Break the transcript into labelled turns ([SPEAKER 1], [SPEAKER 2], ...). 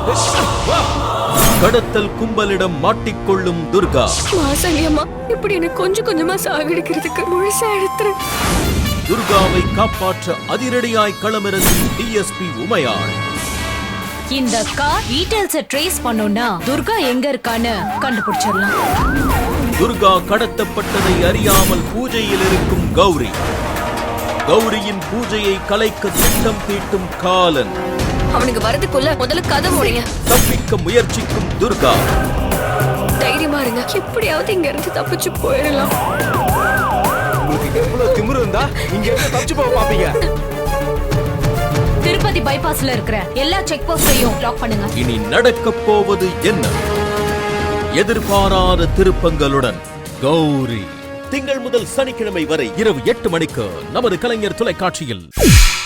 [SPEAKER 1] கடத்தல் கும்பலிடம் மாட்டிக்கொள்ளும் துர்கா.
[SPEAKER 2] வாசலியம்மா இப்படி எனக்கு கொஞ்சம் கொஞ்சமா சாகடிக்கிறதுக்கு முழுசா எடுத்துறேன்.
[SPEAKER 1] துர்காவை காப்பாற்ற அதிரடியாய் களமிறங்கும் டிஎஸ்பி உமையாள்.
[SPEAKER 3] இந்த கார் டீடைல்ஸை ட்ரேஸ் பண்ணோம்னா துர்கா எங்க இருக்கான்னு கண்டுபிடிச்சிடலாம்.
[SPEAKER 1] துர்கா கடத்தப்பட்டதை அறியாமல் பூஜையில் இருக்கும் கௌரி. கௌரியின் பூஜையை கலைக்க திட்டம் தீட்டும் காலன்.
[SPEAKER 2] அவனுக்கு வரதுக்குள்ள முதல்ல கதை முடிய.
[SPEAKER 1] தப்பிக்க முயற்சிக்கும் துர்கா.
[SPEAKER 2] தைரியமா இருங்க, எப்படியாவது இங்க இருந்து தப்பிச்சு போயிடலாம்.
[SPEAKER 4] உங்களுக்கு எவ்வளவு திமிரு இருந்தா இங்க இருந்து தப்பிச்சு போக பாப்பீங்க.
[SPEAKER 3] திருப்பதி பைபாஸ்ல இருக்கிற எல்லா செக் போஸ்டையும் லாக் பண்ணுங்க.
[SPEAKER 1] இனி நடக்க போவது என்ன? எதிர்பாராத திருப்பங்களுடன் கௌரி. திங்கள் முதல் சனிக்கிழமை வரை இரவு 8 மணிக்கு நமது கலைஞர் தொலைக்காட்சியில்.